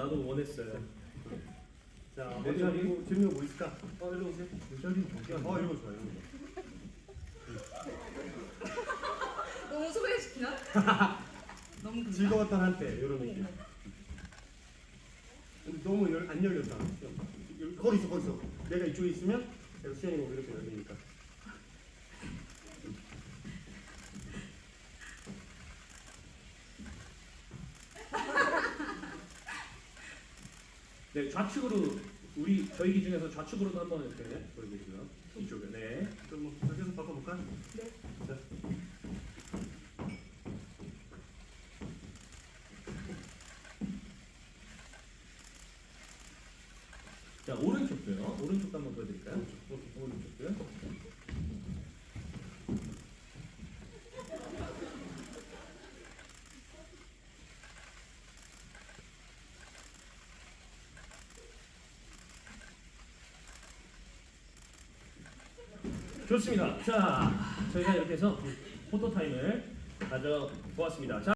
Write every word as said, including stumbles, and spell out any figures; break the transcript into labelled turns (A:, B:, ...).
A: 나도 원했어요.
B: 자,
A: 내
B: 어디
A: 자리?
B: 뭐 재밌는 거 뭐 있을까?
A: 어, 일로 오세요.
B: 내 자리는 저기 어, 이런 거 좋아요. 이런 거.
C: 너무 소개시키나? 너무 금방?
B: 즐거웠던 한때 이런 느낌. 근데 너무 열, 안 열렸다. 여기, 거기 있어, 거기 있어. 내가 이쪽에 있으면 내가 수현이가 이렇게 열리니까.
A: 네, 좌측으로 우리 저희 기준에서 좌측으로도 한번 이렇게 보여드리고요. 이쪽에 네.
B: 그럼 뭐 저기서 바꿔볼까?
C: 네.
B: 자.
A: 자 오른쪽도요. 오른쪽도 한번 보여드릴까요?
B: 오른쪽.
A: 오른쪽도요. 좋습니다. 자, 저희가 이렇게 해서 포토 타임을 가져보았습니다. 자,